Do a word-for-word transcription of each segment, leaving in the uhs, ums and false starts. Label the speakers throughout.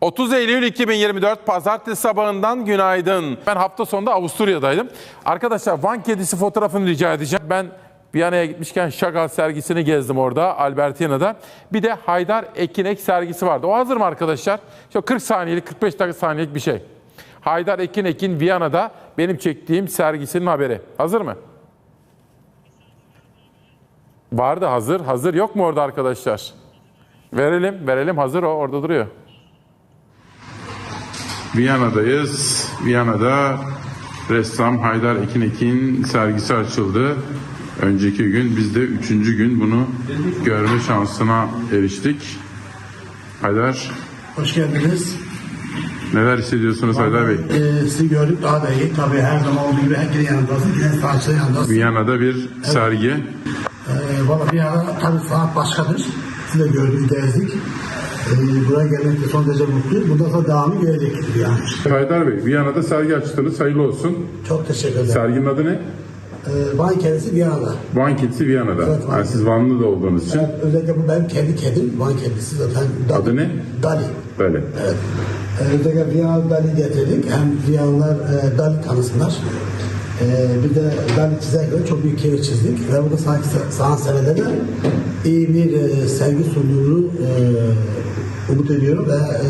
Speaker 1: otuz Eylül iki bin yirmi dört Pazartesi sabahından günaydın. Ben hafta sonunda Avusturya'daydım. Arkadaşlar Van kedisi fotoğrafını rica edeceğim. Ben Viyana'ya gitmişken Chagall sergisini gezdim orada, Albertina'da. Bir de Haydar Ekinek sergisi vardı. O hazır mı arkadaşlar? İşte kırk saniyelik, kırk beş dakika saniyelik bir şey. Haydar Ekinek'in Viyana'da benim çektiğim sergisinin haberi. Hazır mı? Vardı, hazır. Hazır yok mu orada arkadaşlar? Verelim, verelim. Hazır o, orada duruyor.
Speaker 2: Viyana'dayız. Viyana'da ressam Haydar Ekinek'in sergisi açıldı. Önceki gün biz de üçüncü gün bunu görme şansına eriştik. Haydar,
Speaker 3: Hoş geldiniz.
Speaker 2: neler hissediyorsunuz Haydar Bey?
Speaker 3: Ee, sizi gördük daha da iyi. Tabii her zaman olduğu gibi herkesin yanındasın. Yine sanatçının yanındasın.
Speaker 2: Viyana'da bir sergi.
Speaker 3: Ee, Valla bir ara tabii sanat başkadır. Sizi de gördük, gezdik. Ee, buraya gelmekte son derece mutluyuz. Bundan sonra devamı görecektir yani.
Speaker 2: Haydar Bey, Viyana'da sergi açtınız. Hayırlı olsun.
Speaker 3: Çok teşekkür ederim.
Speaker 2: Serginin adı ne?
Speaker 3: Ee, Van kedisi Viyana'da.
Speaker 2: Van kedisi Viyana'da.
Speaker 3: Evet, Van
Speaker 2: yani siz Vanlı da olduğunuz için.
Speaker 3: Evet, özellikle bu benim kendi kedim. Van kedisi zaten. Dali.
Speaker 2: Adı ne?
Speaker 3: Dali.
Speaker 2: Böyle.
Speaker 3: Evet. Ee, özellikle Viyana Dali getirdik. Hem Viyanalılar e, Dali tanısınlar. Ee, bir de Dali çizerken çok büyük keyif çizdik. Ve burada sanat, sanat severlerine iyi bir e, sergi sunduğunu e, umut ediyorum ve e,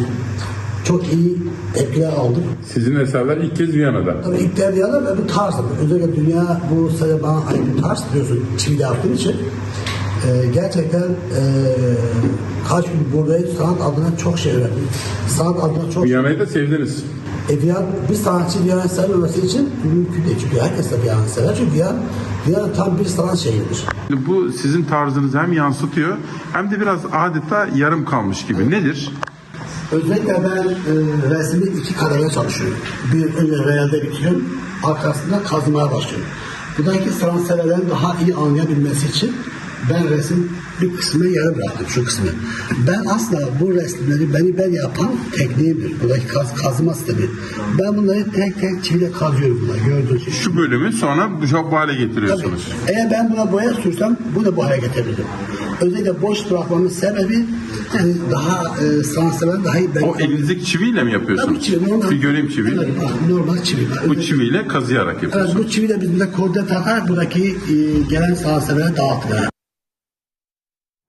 Speaker 3: çok iyi tepkiler aldım.
Speaker 2: Sizin eserler ilk kez Viyana'da.
Speaker 3: Tabii ilk de Viyana ve bu tarz. Özellikle dünya bu sene bana ait bir tarz biliyorsun çiviyle yaptığım için. Ee, gerçekten e, kaç gün buradayım sanat adına çok şey öğrendim. Sanat adına çok
Speaker 2: Viyana'yı da sevdiniz.
Speaker 3: e, Viyana, bir sanatçı Viyana'yı sevmemesi için mümkün değil. Çünkü herkes de Viyana'yı sever. Çünkü Viyana, Viyana tam bir sanat şehridir.
Speaker 2: Bu sizin tarzınızı hem yansıtıyor hem de biraz adeta yarım kalmış gibi. Nedir?
Speaker 3: Özellikle ben e, resmi iki kademede çalışıyorum. Bir önce realde bitiriyorum, arkasında kazımaya başlıyorum. Buradaki sanatseverlerin daha iyi anlayabilmesi için ben resim bir kısmını yarım bıraktım, şu kısmı. Ben aslında bu resimleri beni ben yapan tekniğimdir. Buradaki kaz, kazıma sistemi. Ben bunları tek tek çiviyle kazıyorum bunları, gördüğünüz gibi.
Speaker 2: Şu bölümü sonra bu hale
Speaker 3: Tabii.
Speaker 2: getiriyorsunuz.
Speaker 3: Eğer ben buna boya sürsem bu da bu hale getirirdim. Özellikle boş bırakmamın sebebi yani daha e, sanatsever daha iyi.
Speaker 2: O elinizdeki çiviyle mi yapıyorsunuz?
Speaker 3: Tabii çivi, normal.
Speaker 2: Bir göreyim çivi.
Speaker 3: Evet, normal çivi.
Speaker 2: Bu çiviyle kazıyarak
Speaker 3: Evet,
Speaker 2: yapıyorsunuz.
Speaker 3: bu çiviyle biz burada koordine takarak buradaki e, gelen sanatseverlere dağıttık. Yani.